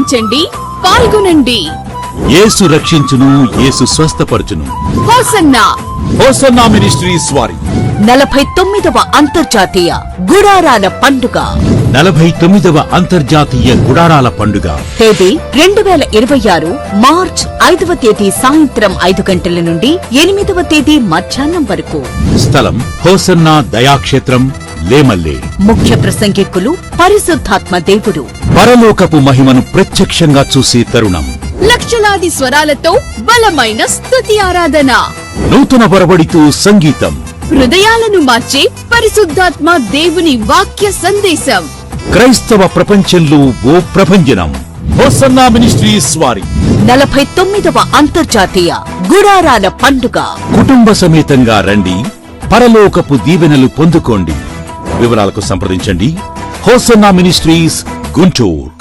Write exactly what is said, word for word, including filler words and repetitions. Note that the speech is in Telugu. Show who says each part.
Speaker 1: ఆనందించండి, పాల్గొనండి.
Speaker 2: యేసు రక్షించును, యేసు స్వస్థపరచును.
Speaker 1: హోసన్నా
Speaker 2: హోసన్నా మినిస్ట్రీస్ వారి
Speaker 3: నలభై తొమ్మిదవ అంతర్జాతీయ గుడారాల పండుగ.
Speaker 2: నలభై తొమ్మిదవ అంతర్జాతీయ గుడారాల పండుగ
Speaker 3: తేదీ రెండు వేల ఇరవై ఆరు మార్చ్ ఐదవ తేదీ సాయంత్రం ఐదు గంటల నుండి ఎనిమిదవ తేదీ మధ్యాహ్నం వరకు.
Speaker 2: స్థలం హోసన్నా దయాక్షేత్రం, లేమల్లే.
Speaker 3: ముఖ్య ప్రసంగికులు పరిశుద్ధాత్మ దేవుడు.
Speaker 2: పరలోకపు మహిమను ప్రత్యక్షంగా చూసే తరుణం.
Speaker 1: లక్షలాది స్వరాలతో బలమైన స్తుతి ఆరాధన.
Speaker 2: నూతన వరవడితో సంగీతం.
Speaker 1: హృదయాలను మార్చే పరిశుద్ధాత్మ దేవుని వాక్య సందేశం.
Speaker 2: క్రైస్తవ ప్రపంచంలో ఓ ప్రభంజనం. హోసన్నా మినిస్ట్రీస్ వారి
Speaker 3: నలభై తొమ్మిదవ అంతర్జాతీయ గుడారాల పండుగ.
Speaker 2: కుటుంబ సమేతంగా రండి, పరలోకపు దీవెనలు పొందుకోండి. వివరాలకు సంప్రదించండి హోసన్నా మినిస్ట్రీస్, గుంటూరు.